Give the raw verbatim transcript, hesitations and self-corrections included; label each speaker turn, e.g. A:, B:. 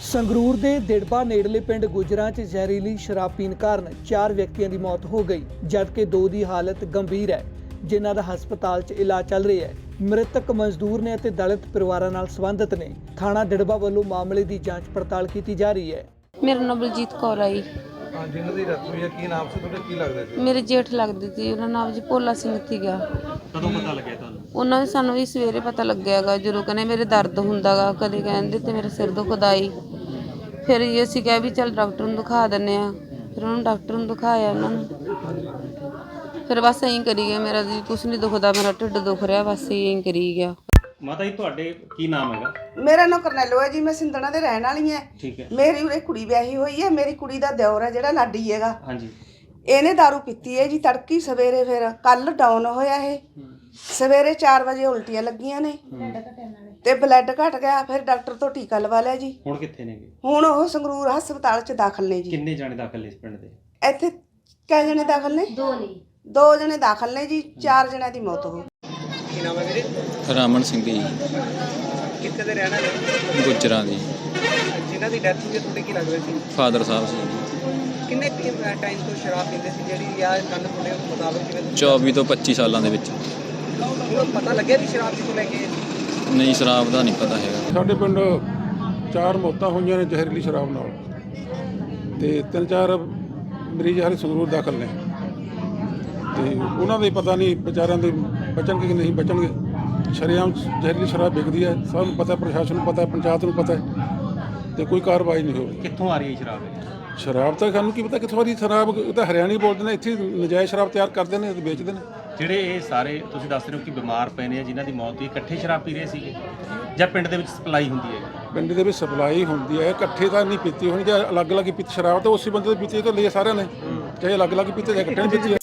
A: ਸੰਗਰੂਰ ਦੇ ਦਿੜਬਾ ਨੇੜਲੇ ਪਿੰਡ ਗੁਜਰਾਂ 'ਚ ਜ਼ਹਿਰੀਲੀ ਸ਼ਰਾਬ ਪੀਣ ਕਾਰਨ ਚਾਰ ਵਿਅਕਤੀਆਂ ਦੀ ਮੌਤ ਹੋ ਗਈ, ਜਦਕਿ ਦੋ ਦੀ ਹਾਲਤ ਗੰਭੀਰ ਹੈ, ਜਿਨ੍ਹਾਂ ਦਾ ਹਸਪਤਾਲ 'ਚ ਇਲਾਜ ਚੱਲ ਰਿਹਾ ਹੈ। ਮ੍ਰਿਤਕ ਮਜ਼ਦੂਰ ਨੇ ਅਤੇ ਦਲਿਤ ਪਰਿਵਾਰਾਂ ਨਾਲ ਸੰਬੰਧਿਤ ਨੇ। ਥਾਣਾ ਦਿੜਬਾ ਵੱਲੋਂ ਮਾਮਲੇ ਦੀ ਜਾਂਚ ਪੜਤਾਲ ਕੀਤੀ ਜਾ ਰਹੀ ਹੈ।
B: ਮੇਰਾ ਨਾਮ ਬਲਜੀਤ ਕੌਰ ਆਈ।
C: ਹਾਂ, ਜਿਨ੍ਹਾਂ ਦੀ ਡੈਥ ਹੋਈ ਹੈ, ਕੀ ਨਾਮ ਸੀ ਤੁਹਾਡਾ, ਕੀ ਲੱਗਦਾ ਸੀ?
B: ਮੇਰੇ ਜੇਠ ਲੱਗਦੇ ਸੀ, ਉਹਨਾਂ ਨਾਮ ਜੀ ਭੋਲਾ ਸਿੰਘ ਸੀਗਾ।
C: ਕਦੋਂ ਪਤਾ ਲੱਗਿਆ ਤੁਹਾਨੂੰ?
B: ਉਹਨਾਂ ਨੇ ਸਾਨੂੰ ਵੀ ਸਵੇਰੇ ਪਤਾ ਲੱਗਿਆਗਾ, ਜਦੋਂ ਕਹਿੰਦੇ ਮੇਰੇ ਦਰਦ ਹੁੰਦਾਗਾ, ਕਦੇ ਕਹਿੰਦੇ ਤੇ ਮੇਰੇ ਸਿਰ ਦੁਖਦਾ ਈ। ਫਿਰ ਇਹ ਅਸੀਂ ਕਿਹਾ ਵੀ ਚੱਲ ਡਾਕਟਰ ਨੂੰ ਦਿਖਾ ਦਿੰਦੇ ਆ। ਫਿਰ ਉਹਨਾਂ ਨੂੰ ਡਾਕਟਰ ਨੂੰ ਦਿਖਾਇਆ ਉਹਨਾਂ ਨੂੰ। ਫਿਰ ਬਸ ਐਂ ਕਰੀ ਗਿਆ, ਮੇਰਾ ਜੀ ਕੁਛ ਨਹੀਂ ਦੁਖਦਾ, ਮੇਰਾ ਢਿੱਡ ਦੁਖ ਰਿਹਾ, ਬਸ ਐਂ ਕਰੀ ਗਿਆ।
D: ਮਾਤਾ ਜੀ ਤੁਹਾਡੇ ਕੀ ਨਾਮ ਹੈਗਾ?
E: ਮੇਰਾ ਨਾਮ ਕਰਨੈਲੋ ਹੈ ਜੀ, ਮੈਂ ਸਿੰਧਣਾ ਦੇ ਰਹਿਣ ਵਾਲੀ ਹਾਂ।
D: ਠੀਕ ਹੈ।
E: ਮੇਰੀ ਉਰੇ ਕੁੜੀ ਵਿਆਹੀ ਹੋਈ ਹੈ, ਮੇਰੀ ਕੁੜੀ ਦਾ ਦਿਓਰ ਹੈ ਜਿਹੜਾ ਲਾਡੀ ਹੈਗਾ।
D: ਹਾਂਜੀ।
E: ਇਹਨੇ ਦਾਰੂ ਪੀਤੀ ਹੈ ਜੀ ਤੜਕੀ ਸਵੇਰੇ, ਫਿਰ ਕੱਲ ਡਾਊਨ ਹੋਇਆ ਇਹ। ਸਵੇਰੇ ਚਾਰ ਵਜੇ ਉਲਟੀਆਂ ਲੱਗੀਆਂ ਨੇ ਤੇ ਬਲੱਡ ਘਟ ਗਿਆ, ਫਿਰ ਡਾਕਟਰ ਤੋਂ ਟੀਕਾ ਲਵਾ ਲਿਆ ਜੀ।
D: ਹੁਣ ਕਿੱਥੇ ਨੇਗੇ?
E: ਹੁਣ ਉਹ ਸੰਗਰੂਰ ਹਸਪਤਾਲ 'ਚ ਦਾਖਲ ਨੇ ਜੀ।
D: ਕਿੰਨੇ ਜਾਣੇ ਦਾਖਲ ਨੇ ਇਸ ਪਿੰਡ ਦੇ?
E: ਇੱਥੇ ਕਿੰਨੇ ਜਣੇ ਦਾਖਲ ਨੇ? ਦੋ ਨੇ। ਦੋ ਜਣੇ ਦਾਖਲ ਨੇ ਜੀ, ਚਾਰ ਜਣਿਆਂ ਦੀ ਮੌਤ ਹੋ ਗਈ।
C: ਕੀ ਨਾਮ ਹੈ ਵੀਰੇ?
F: ਰਾਮਨ ਸਿੰਘ ਜੀ,
C: ਕਿੱਥੇ ਦੇ ਰਹਿਣ ਵਾਲੇ?
F: ਗੁੱਜਰਾਂ ਦੀ।
C: ਜਿਨ੍ਹਾਂ ਦੀ ਡੈਥ ਹੋਈ ਹੈ, ਤੁਹਾਡੇ ਕੀ ਲੱਗਦਾ ਸੀ?
F: ਫਾਦਰ ਸਾਹਿਬ ਸੀ।
C: ਕਿੰਨੇ ਟਾਈਮ ਤੋਂ ਸ਼ਰਾਬ ਪੀਂਦੇ ਸੀ ਜਿਹੜੀ ਆ ਕੰਨ ਮੁੰਡੇ ਮੁਤਾਬਕ? ਜਿਵੇਂ
F: ਚੌਵੀ ਤੋਂ ਪੱਚੀ ਸਾਲਾਂ ਦੇ ਵਿੱਚ।
C: ਤੁਹਾਨੂੰ ਪਤਾ ਲੱਗਿਆ ਵੀ ਸ਼ਰਾਬ ਕਿੱਥੋਂ ਲੈ ਕੇ?
F: ਨਹੀਂ, ਸ਼ਰਾਬ ਦਾ ਨਹੀਂ ਪਤਾ ਹੈਗਾ।
G: ਸਾਡੇ ਪਿੰਡ ਚਾਰ ਮੌਤਾਂ ਹੋਈਆਂ ਨੇ ਜ਼ਹਿਰੀਲੀ ਸ਼ਰਾਬ ਨਾਲ, ਤੇ ਤਿੰਨ ਚਾਰ ਮਰੀਜ਼ ਹਾਲੇ ਸੰਗਰੂਰ ਦਾਖਲ ਨੇ, ਤੇ ਉਹਨਾਂ ਦੇ ਪਤਾ ਨਹੀਂ ਵਿਚਾਰਿਆਂ ਦੇ ਬਚਣਗੇ ਕਿ ਨਹੀਂ ਬਚਣਗੇ। ਸ਼ਰੇਆਮ ਜ਼ਹਿਰੀਲੀ ਸ਼ਰਾਬ ਵਿਕਦੀ ਹੈ, ਸਭ ਨੂੰ ਪਤਾ, ਪ੍ਰਸ਼ਾਸਨ ਨੂੰ ਪਤਾ, ਪੰਚਾਇਤ ਨੂੰ ਪਤਾ, ਤੇ ਕੋਈ ਕਾਰਵਾਈ ਨਹੀਂ ਹੋ ਰਹੀ।
D: ਕਿੱਥੋਂ ਆ ਰਹੀ ਹੈ ਸ਼ਰਾਬ ਇਹ?
G: ਸ਼ਰਾਬ ਤਾਂ ਸਾਨੂੰ ਕੀ ਪਤਾ ਕਿੱਥੋਂ ਆ ਰਹੀ ਸ਼ਰਾਬ, ਇਹ ਤਾਂ ਹਰਿਆਣੀ ਬੋਲਦੇ ਨੇ, ਇੱਥੇ ਨਜਾਇਜ਼ ਸ਼ਰਾਬ ਤਿਆਰ ਕਰਦੇ ਨੇ ਤੇ ਵੇਚਦੇ ਨੇ।
D: ਜਿਹੜੇ ਇਹ ਸਾਰੇ ਤੁਸੀਂ ਦੱਸ ਰਹੇ ਹੋ ਕਿ ਬਿਮਾਰ ਪਏ ਨੇ, ਜਿਨ੍ਹਾਂ ਦੀ ਮੌਤ ਹੋਈ, ਇਕੱਠੇ ਸ਼ਰਾਬ ਪੀ ਰਹੇ ਸੀਗੇ ਜਾਂ ਪਿੰਡ ਦੇ ਵਿੱਚ ਸਪਲਾਈ ਹੁੰਦੀ ਹੈ?
G: ਪਿੰਡ ਦੇ ਵਿੱਚ ਸਪਲਾਈ ਹੁੰਦੀ ਹੈ, ਇਕੱਠੇ ਤਾਂ ਨਹੀਂ ਪੀਤੀ ਹੋਣੀ, ਜੇ ਅਲੱਗ ਅਲੱਗ ਹੀ ਪੀਤੀ ਸ਼ਰਾਬ ਤਾਂ ਉਸੇ ਬੰਦੇ ਦੀ ਪੀਤੀ ਤਾਂ ਲਈ ਸਾਰਿਆਂ ਨੇ, ਚਾਹੇ ਅਲੱਗ ਅਲੱਗ ਪੀਤੀ ਜਾਂ ਇਕੱਠੇ ਪੀਤੀ